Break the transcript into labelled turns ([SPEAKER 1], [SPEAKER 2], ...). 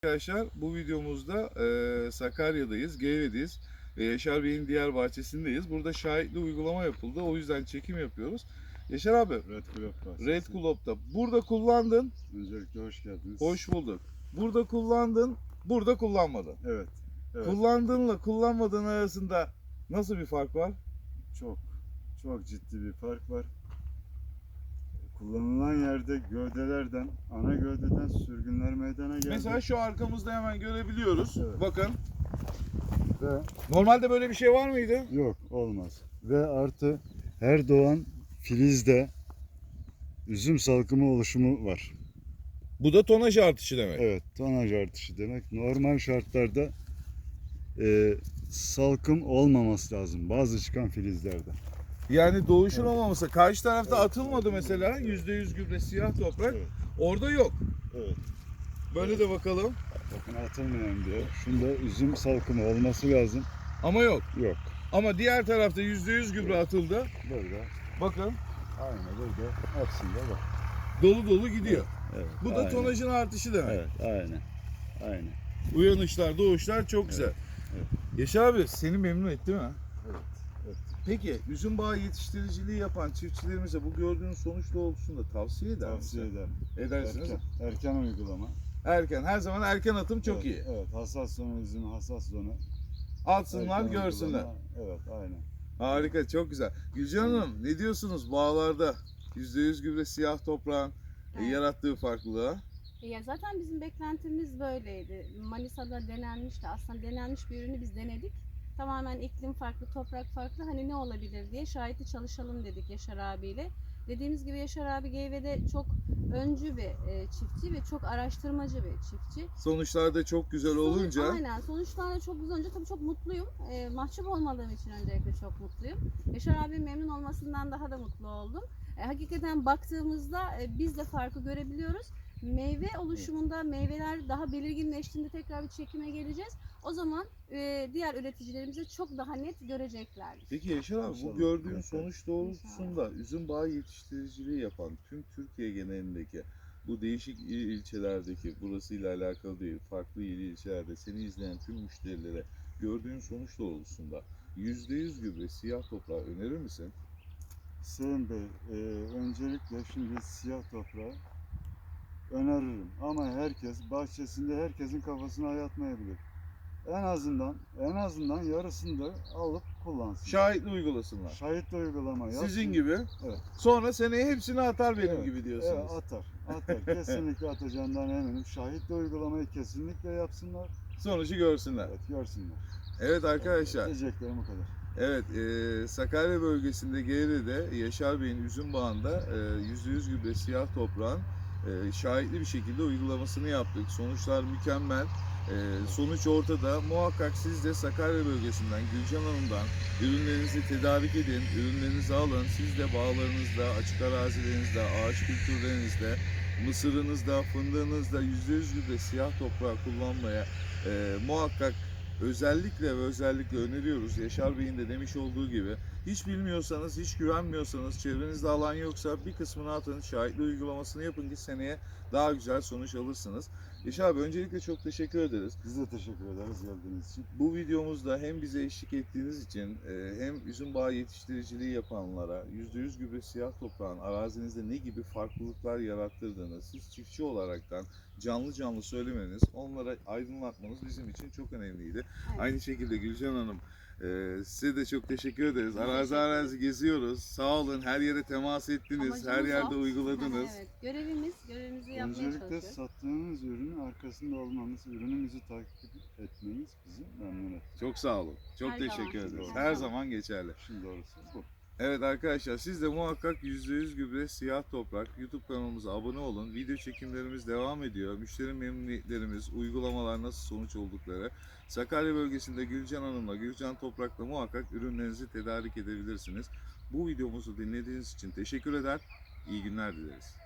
[SPEAKER 1] Arkadaşlar bu videomuzda Sakarya'dayız, Geyve'deyiz ve Yaşar Bey'in diğer bahçesindeyiz. Burada şahitli uygulama yapıldı. O yüzden çekim yapıyoruz. Yaşar abi,
[SPEAKER 2] Red Club bahçesi.
[SPEAKER 1] Red Club'da burada kullandın,
[SPEAKER 2] Öncelikle hoş geldiniz.
[SPEAKER 1] hoş bulduk. Burada kullandın, burada kullanmadın.
[SPEAKER 2] Evet. Evet.
[SPEAKER 1] Kullandığınla kullanmadığın arasında nasıl bir fark var?
[SPEAKER 2] Çok ciddi bir fark var. Kullanılan yerde gövdelerden, ana gövdeden sürgünler meydana geldi.
[SPEAKER 1] Mesela şu arkamızda hemen görebiliyoruz.
[SPEAKER 2] Evet.
[SPEAKER 1] Bakın.
[SPEAKER 2] Ve
[SPEAKER 1] Normalde böyle bir şey var mıydı?
[SPEAKER 2] yok, olmaz. Ve artı her doğan filizde üzüm salkımı oluşumu var.
[SPEAKER 1] Bu da tonaj artışı demek.
[SPEAKER 2] Evet, tonaj artışı demek. Normal şartlarda salkım olmaması lazım bazı çıkan filizlerde.
[SPEAKER 1] Yani doğuşun olmaması. Karşı tarafta atılmadı mesela. %100 gübre siyah toprak.
[SPEAKER 2] Evet.
[SPEAKER 1] Orada yok.
[SPEAKER 2] Evet.
[SPEAKER 1] Böyle de bakalım.
[SPEAKER 2] Bakın atılmayan diyor. Şunda üzüm salkımı olması lazım.
[SPEAKER 1] Ama yok.
[SPEAKER 2] Yok.
[SPEAKER 1] Ama diğer tarafta %100 gübre atıldı.
[SPEAKER 2] Burada.
[SPEAKER 1] Bakın
[SPEAKER 2] Aynı burada. Aslında bak.
[SPEAKER 1] dolu dolu gidiyor.
[SPEAKER 2] Evet.
[SPEAKER 1] Bu da
[SPEAKER 2] aynen.
[SPEAKER 1] tonajın artışı demek.
[SPEAKER 2] Evet. Aynen. Aynen.
[SPEAKER 1] Uyanışlar, doğuşlar çok güzel.
[SPEAKER 2] evet.
[SPEAKER 1] Yaşar abi seni memnun etti mi?
[SPEAKER 2] Evet. Evet.
[SPEAKER 1] Peki üzüm bağı yetiştiriciliği yapan çiftçilerimize bu gördüğünüz sonuç doğrultusunda tavsiye eder
[SPEAKER 2] Tavsiye
[SPEAKER 1] misin?
[SPEAKER 2] ederim.
[SPEAKER 1] Edersiniz.
[SPEAKER 2] Erken uygulama.
[SPEAKER 1] Erken. Her zaman erken atım çok
[SPEAKER 2] evet,
[SPEAKER 1] iyi.
[SPEAKER 2] Evet. Hassas zonu üzüm, hassas zonu.
[SPEAKER 1] Atsınlar,
[SPEAKER 2] Erken
[SPEAKER 1] görsünler.
[SPEAKER 2] uygulama. Evet. Aynen.
[SPEAKER 1] Harika, çok güzel. Gülcan Hanım, ne diyorsunuz bağlarda %100 gübre siyah toprağın
[SPEAKER 3] Evet.
[SPEAKER 1] yarattığı farklılığa?
[SPEAKER 3] Ya zaten bizim beklentimiz böyleydi. Manisa'da denenmişti. Aslında denenmiş bir ürünü biz denedik. Tamamen iklim farklı, toprak farklı. Hani ne olabilir diye şahitli çalışalım dedik Yaşar abiyle. Dediğimiz gibi Yaşar abi Geyve'de çok öncü bir çiftçi ve çok araştırmacı bir çiftçi.
[SPEAKER 1] Sonuçlar da çok güzel olunca
[SPEAKER 3] Aynen. Sonuçlar da çok güzel olunca tabii çok mutluyum. Mahcup olmadığım için öncelikle çok mutluyum. Yaşar abi memnun olmasından daha da mutlu oldum. Hakikaten baktığımızda biz de farkı görebiliyoruz. Meyve oluşumunda meyveler daha belirginleştiğinde tekrar bir çekime geleceğiz. O zaman diğer üreticilerimize çok daha net göreceklerdir.
[SPEAKER 1] Peki Yaşar abi bu
[SPEAKER 2] İnşallah.
[SPEAKER 1] gördüğün
[SPEAKER 2] Evet.
[SPEAKER 1] sonuç doğrultusunda üzüm bağı yetiştiriciliği yapan tüm Türkiye genelindeki bu değişik il ilçelerdeki burasıyla alakalı değil farklı il ilçelerde seni izleyen tüm müşterilere gördüğün sonuç doğrultusunda %100 gübre siyah toprağı önerir misin?
[SPEAKER 2] Sayın Bey, öncelikle şimdi siyah toprağı öneririm. Ama herkes bahçesinde herkesin kafasına yatmayabilir. En azından yarısını da alıp kullansın.
[SPEAKER 1] Şahitli uygulasınlar.
[SPEAKER 2] Şahitli uygulama yapsın.
[SPEAKER 1] Sizin gibi.
[SPEAKER 2] Evet.
[SPEAKER 1] Sonra seneye hepsini atar benim
[SPEAKER 2] Evet,
[SPEAKER 1] gibi diyorsunuz.
[SPEAKER 2] Evet, atar. Kesinlikle atacağından eminim. Şahitli uygulamayı kesinlikle yapsınlar.
[SPEAKER 1] Sonucu görsünler.
[SPEAKER 2] Evet, görsünler.
[SPEAKER 1] Evet arkadaşlar.
[SPEAKER 2] Diyeceklerim o kadar.
[SPEAKER 1] Evet, Sakarya bölgesinde Geyre'de Yaşar Bey'in üzüm bağında %100 gübre siyah toprağın şahitli bir şekilde uygulamasını yaptık. Sonuçlar mükemmel. Sonuç ortada. Muhakkak siz de Sakarya bölgesinden, Gülcan Hanım'dan ürünlerinizi tedarik edin, ürünlerinizi alın. Siz de bağlarınızda, açık arazilerinizde, ağaç kültürlerinizde, mısırınızda, fındığınızda %100 gübre siyah toprağı kullanmaya muhakkak özellikle öneriyoruz. Yaşar Bey'in de demiş olduğu gibi hiç bilmiyorsanız, hiç güvenmiyorsanız, çevrenizde alan yoksa bir kısmını atın, şahitli uygulamasını yapın ki seneye daha güzel sonuç alırsınız. Yaşar abi öncelikle çok teşekkür ederiz.
[SPEAKER 2] Biz de teşekkür ederiz geldiğiniz için.
[SPEAKER 1] Bu videomuzda hem bize eşlik ettiğiniz için hem üzüm bağı yetiştiriciliği yapanlara %100 gübre siyah toprağın arazinizde ne gibi farklılıklar yarattırdığını siz çiftçi olaraktan canlı söylemeniz, onlara aydınlatmanız bizim için çok önemliydi.
[SPEAKER 3] Evet.
[SPEAKER 1] Aynı şekilde Gülcan Hanım size de çok teşekkür ederiz. Arazi geziyoruz. Sağ olun. Her yere temas ettiniz.
[SPEAKER 3] Amacımız
[SPEAKER 1] Her yerde
[SPEAKER 3] o.
[SPEAKER 1] uyguladınız.
[SPEAKER 3] Evet, görevimizi yapmaya
[SPEAKER 2] Öncelikle
[SPEAKER 3] çalışıyoruz.
[SPEAKER 2] sattığınız ürünün arkasında olmamız, ürünümüzü takip etmeniz bizi memnun etti.
[SPEAKER 1] Çok sağ olun. Çok
[SPEAKER 3] Her
[SPEAKER 1] teşekkür
[SPEAKER 3] zaman.
[SPEAKER 1] ederiz.
[SPEAKER 3] Her
[SPEAKER 1] Her
[SPEAKER 3] zaman.
[SPEAKER 1] zaman geçerli.
[SPEAKER 2] Şimdi doğrusu bu.
[SPEAKER 1] Evet arkadaşlar siz de muhakkak %100 gübre siyah toprak YouTube kanalımıza abone olun. Video çekimlerimiz devam ediyor. Müşteri memnuniyetlerimiz, uygulamalar nasıl sonuç oldukları. Sakarya bölgesinde Gülcan Hanım'la, Gülcan Toprak'la muhakkak ürünlerinizi tedarik edebilirsiniz. Bu videomuzu dinlediğiniz için teşekkür eder. İyi günler dileriz.